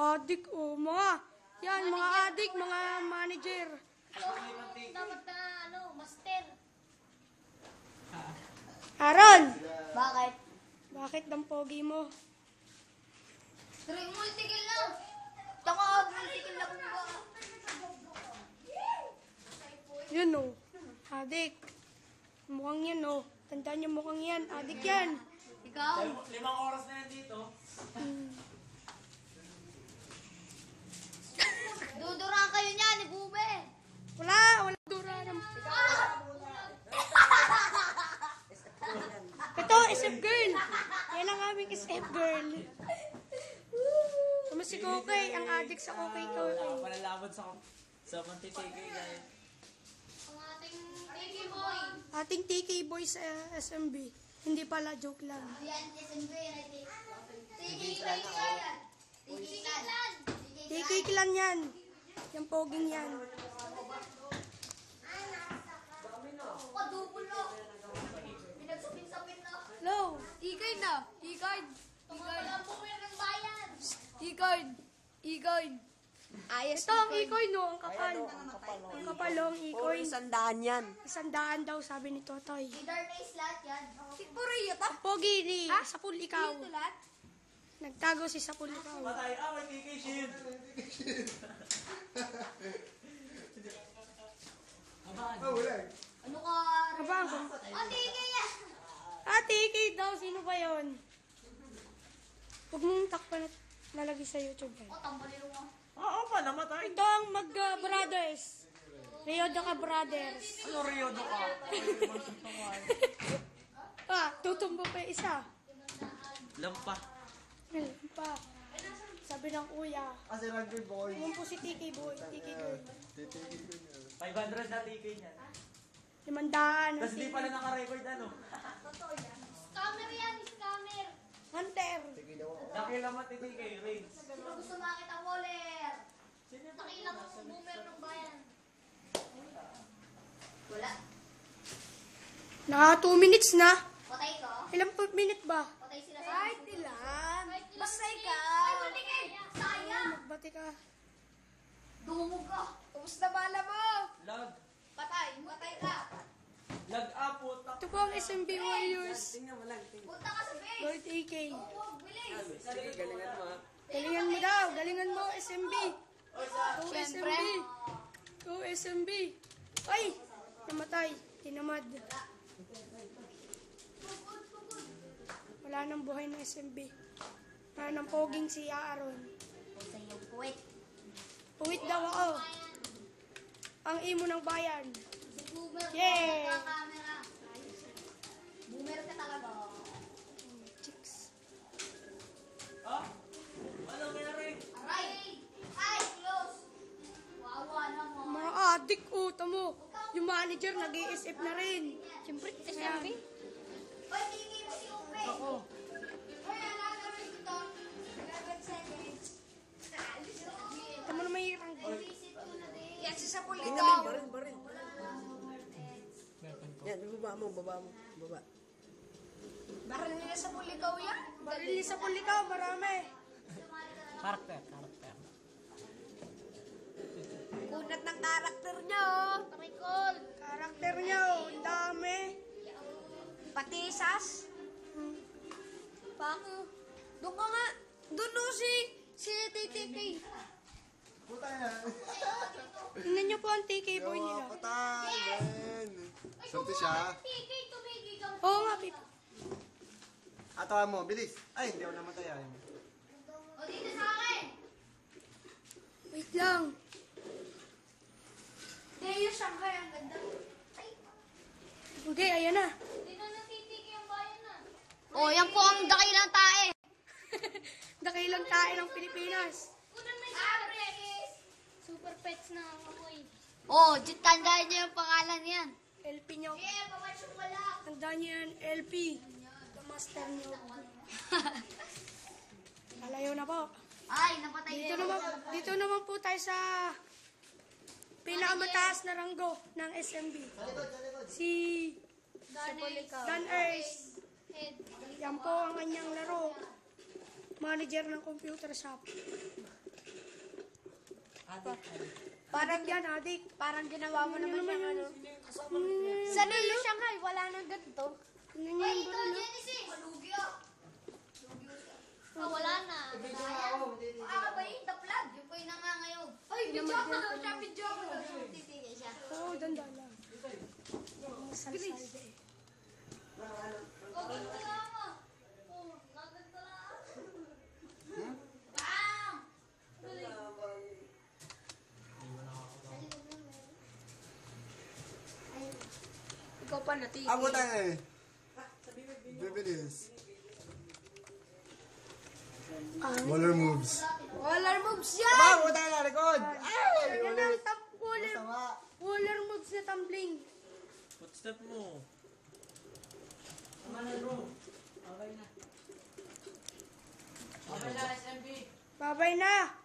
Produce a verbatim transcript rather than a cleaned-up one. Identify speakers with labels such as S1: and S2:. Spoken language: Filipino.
S1: Adik, oh, mga, yan, mga adik, mga manager.
S2: Dapat na, ano, master.
S1: Aaron,
S2: Bakit?
S1: bakit ang pogi mo?
S2: Try multikill lang. Taka, multikill lang ba?
S1: Yun, oh. Adik. Mukhang yan, oh. Tandaan niyo mukhang yan. Adik yan.
S2: Ikaw?
S3: Limang oras na yan dito.
S2: Duduraan kayo niya ni Bube.
S1: Wala, wala dura. Ito, S F girl. Yan ang aming S F girl. Tama si Kokay, ang adik sa Kokay ko.
S3: Palalaban sa sa mantitigay guys.
S2: Ang ating Tiki Boy.
S1: Ating T K boy sa S M B. Hindi pala, joke lang.
S2: Yan, S M B. Tiki Clan. Tiki Clan.
S1: T K clan yan. Yung poging yan.
S2: Padubulo. Pinagsapit-sapit na.
S1: Hello.
S4: E-card na. E-card.
S2: Tumagal ang bumer ng bayan.
S4: E-card. E-card. Ayos.
S1: Ito ang ikoy, no? Ang kapal. Ang kapal, oh, ang ikoy.
S5: Sandaan yan.
S1: Isandaan daw, sabi ni Totoy.
S2: Leader na islat yan.
S4: Puro iyo to.
S1: Ang pogi ni Sapul ikaw.
S4: Ito lahat.
S1: Nagtago si Sapul ikaw.
S3: Patay, ah, may T K shield.
S2: Ano ka?
S1: Abang.
S2: Oh, Tiki yan.
S1: Ah, T K daw. Sino ba yun? Huwag mong takpan at lalagay sa YouTube. Eh.
S2: Oh, tambalero mo.
S3: Oo pa, namatay.
S1: Ito ang mag-brothers. Rio Doca Brothers.
S3: Ano Rio do ka?
S1: Ah, tutumbo pa yung isa.
S3: Lampa.
S1: Meron pa. Sabi ng kuya.
S5: Kasi rugby boy.
S1: Yung po si T K boy. T K boy.
S3: five hundred na T K niyan.
S1: Limandaan.
S3: Tapos di pala naka-record ano.
S2: Scammer yan, scammer.
S1: Hunter.
S3: Nakilamat ni T K, Raids.
S2: Sino gusto makita Waller? Nakilang ang boomer ng bayan. Wala.
S1: Naka two minutes na.
S2: Patay ko?
S1: Ilang po minute ba?
S2: Patay sila sa
S4: Kahit ilan. Basta
S2: Ay,
S4: ikaw.
S2: matigil! Sayang!
S1: Magbati ka.
S2: Dumog ka!
S4: Kumusta bala mo?
S3: Lag.
S4: Patay. Patay ka.
S3: Lag up, puta.
S1: Ito po ang S M B Warriors.
S2: Punta ka sa base!
S1: Lord A K.
S2: Huwag, bilis!
S5: Galingan mo ha.
S1: Galingan mo daw. Galingan mo S M B. Go S M B. Go S M B. Ay! Namatay. Tinamad. Wala nang buhay ng S M B. Wala nang poging si Aaron.
S2: Sa iyong puwet.
S1: Puwit daw ako. Ang imo ng bayan.
S2: Si Boomer
S1: Yay!
S2: ka camera. Boomer ka talaga.
S1: Chicks.
S3: Ah? Ano meron?
S2: Aray! Ay, close! Wawa naman.
S1: Mga adik, oh, tamo. Yung manager, nag-i-S F na rin. Siyempre, S M B.
S2: Hoy, tingin mo si Upe!
S1: Oo.
S2: Hoy, nagagawin ko to. eleven seconds.
S1: Tamo na may irang.
S2: Visit ko na din.
S4: Yan si Sapul
S5: Tingnan
S4: ikaw.
S5: mo, barin, barin. Yan, baba mo, baba mo, baba.
S4: Baril nila Sapul ikaw yan.
S1: Barili sa pulikaw, marami.
S3: Karakter, karakter.
S4: Kunat ng karakter nyo.
S2: Parikol!
S1: Karakter niyo, ang dami.
S4: Patisas. Pako. Doon ka nga. Doon no si si T T K.
S1: Tingnan niyo po ang T K boy nila.
S6: Patay, man. Swerte siya.
S2: Tigay, tumigay ka.
S1: Oo nga, Pip.
S6: Atawa mo, bilis. Ay, hindi ako namatay. Ay.
S2: O, dito sa akin!
S1: Wait lang.
S2: Deo Shanghai, ang ganda. Ay,
S1: Okay, ayan na.
S2: dito natitigay ang bayan na.
S4: Oh, yan po ang dakilang tae.
S1: Dakilang tayo ng Pilipinas.
S2: Unang may surprise. Super pets na ang amoy.
S4: Oh, tandaan niyo yung pangalan yan.
S1: L P niyo.
S2: Eh, pamatch yung wala.
S1: Tandaan niyo yan, L P. The master niyo. Malayo na po.
S2: Ay, napatay
S1: Dito naman, dito naman po tayo sa pinakamataas na ranggo ng S M B. Si Dan Earth. Yan po ang kanyang laro. Manager ng computer shop. Parang yan, adik.
S4: Parang ginawa mo naman siyang ano.
S1: Hmm,
S4: Sanay yung Shanghai, wala nang ganito.
S1: Tingnan niyo
S2: Ay,
S1: yung
S2: ito,
S1: burol.
S2: Genesis. Malugi ah. Lugi ah siya. Ah, wala na. Ah, ba yun? The plug. Yung po yung nangangayaw. Ay, video ko daw siya. Video ko daw siya. Titigil siya.
S1: Oo, danda lang. Salsalde eh.
S2: Oh, ganito lang mo. Oh, ganito lang. Bam!
S4: Ikaw pa natin.
S6: Abo tayo eh. Bibilis. Waller moves.
S4: Waller moves yan!
S6: Abo tayo na likod. Ay!
S1: Yan ang top waller,
S6: Masama.
S1: waller moves na tumbling.
S3: Footstep mo. Tama na bro. Okay na. Okay na, S M B.
S1: Babay na.